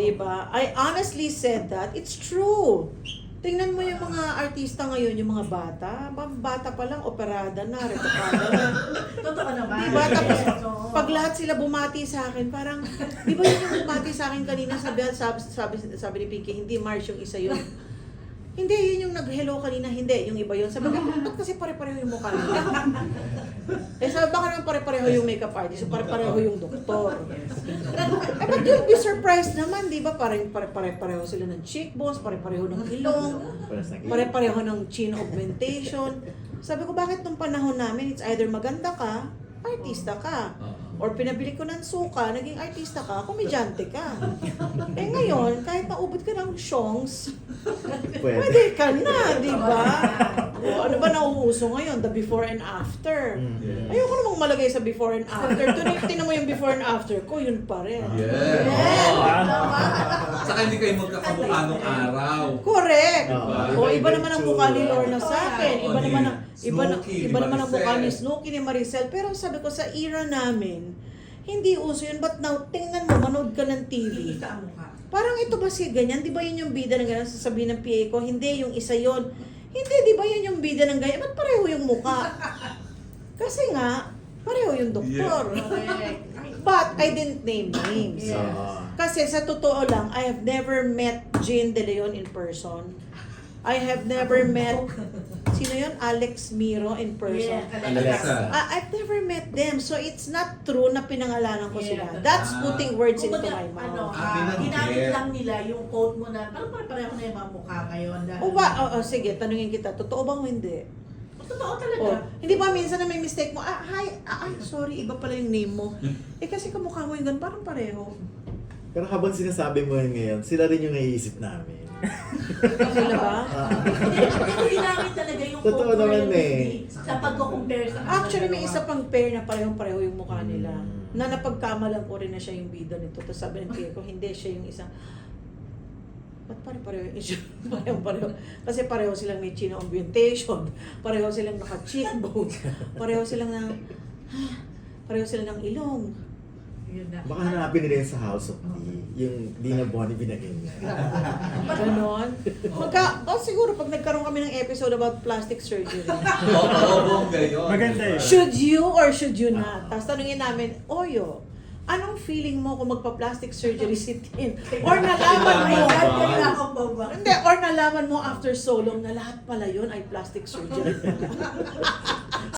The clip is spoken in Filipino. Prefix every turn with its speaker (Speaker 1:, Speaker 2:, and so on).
Speaker 1: Diba? I honestly said that. It's true. Tingnan mo yung mga artista ngayon, yung mga bata. Bata pa lang, operada na, retokada na.
Speaker 2: Totoo naman.
Speaker 1: Diba? Tapos,
Speaker 2: Yes, oo.
Speaker 1: pag lahat sila bumati sa akin, parang, di ba yun yung bumati sa akin kanina, sabi ni Pinky, hindi Mars yung isa yun. Hindi, yun yung nag-hello kanina, hindi, yung iba yun. Sabi ko, ba't kasi pare-pareho yung mukha nila? Eh sabi, baka naman pare-pareho yung makeup artist, so pare-pareho yung doktor. Eh, but you'll be surprised naman, di ba? Parang pare-pareho sila ng cheekbones, pare-pareho ng ilong, pare-pareho ng chin augmentation. Sabi ko, bakit nung panahon namin, it's either maganda ka, artista ka. Or pinabili ko ng suka, naging artista ka, komedyante ka. Eh ngayon, kahit naubod ka ng shongs, pwede ka na, di ba? O, ano ba nauuso ngayon? The before and after. Ayoko namang malagay sa before and after. Tinan mo yung before and after ko, yun pa rin.
Speaker 3: Yeah.
Speaker 2: Tama.
Speaker 3: Saka hindi kayo magkakamukha nung araw.
Speaker 1: Correct.
Speaker 3: Diba?
Speaker 1: O iba naman ang mukha ni Lorna sa akin. Iba
Speaker 3: O,
Speaker 1: naman ang
Speaker 3: ni
Speaker 1: iba,
Speaker 3: Snooki,
Speaker 1: iba
Speaker 3: ni
Speaker 1: naman ang mukha ni
Speaker 3: Maricel.
Speaker 1: Snooki, ni Maricel. Pero sabi ko sa era namin, hindi uso yun. But now, tingnan mo, manood ka ng TV.
Speaker 2: Kita ang mukha.
Speaker 1: Parang ito ba si ganyan? Di ba yun yung bida ng ganyan? Sasabihin ng PA ko, hindi, yung isa yon. Hindi, di ba yun yung bida ng ganyan? Ba't pareho yung mukha? Kasi nga, pareho yung doktor.
Speaker 2: Correct.
Speaker 1: But I didn't name names.
Speaker 2: Yes.
Speaker 1: Kasi sa totoo lang, I have never met Jane De Leon in person. I have never met, sino yun? Alex Miro in person.
Speaker 2: Yeah,
Speaker 3: Alexa.
Speaker 1: I've never met them. So it's not true na pinangalanan ko
Speaker 2: Yeah.
Speaker 1: sila. That's putting words into
Speaker 2: Kumbaga,
Speaker 1: my mouth.
Speaker 2: ano,
Speaker 3: binanggit.
Speaker 2: ginamit lang nila yung quote mo na parang pareho na yung mga mukha ngayon.
Speaker 1: O ba, sige, tanungin kita, totoo bang o hindi?
Speaker 2: Totoo talaga.
Speaker 1: O, hindi ba minsan na may mistake mo, sorry, iba pala yung name mo. Eh kasi kamukha mo yung ganun, parang pareho.
Speaker 4: Pero habang sinasabi mo yun ngayon, sila rin yung naiisip namin.
Speaker 1: Sila ba?
Speaker 2: Pero ginamit talaga yung quote
Speaker 4: Totoo
Speaker 2: mo
Speaker 4: naman
Speaker 2: yun,
Speaker 4: eh.
Speaker 2: Sa pagko-compare sa kanila
Speaker 1: Actually, may
Speaker 2: dalawa.
Speaker 1: isa pang pair na parehong-pareho yung mukha nila.
Speaker 4: Mm.
Speaker 1: Na napagkamalan ko rin na siya yung bida nito. Tapos sabi ng PA ko, hindi siya yung isang... Ba't pareho yung issue? Pareho. Kasi pareho silang may chin augmentation. Pareho silang naka-cheekbone. Pareho silang na... Pareho silang ng ilong.
Speaker 2: Yun na.
Speaker 4: Baka hanapin nila yun sa House of D. Yung Dina Bonnie binagay niya.
Speaker 1: Ganon. Siguro pag nagkaroon kami ng episode about plastic surgery.
Speaker 3: Oo, bongga yun.
Speaker 5: Maganda yun.
Speaker 1: Should you or should you not? Tapos tanungin namin, Oyo, anong feeling mo kung magpa-plastic surgery si Tin? Or nalaman mo,
Speaker 3: Nalaman ba?
Speaker 2: Kaya ako ba?
Speaker 1: hindi, or nalaman mo after so long na lahat pala yun ay plastic surgery.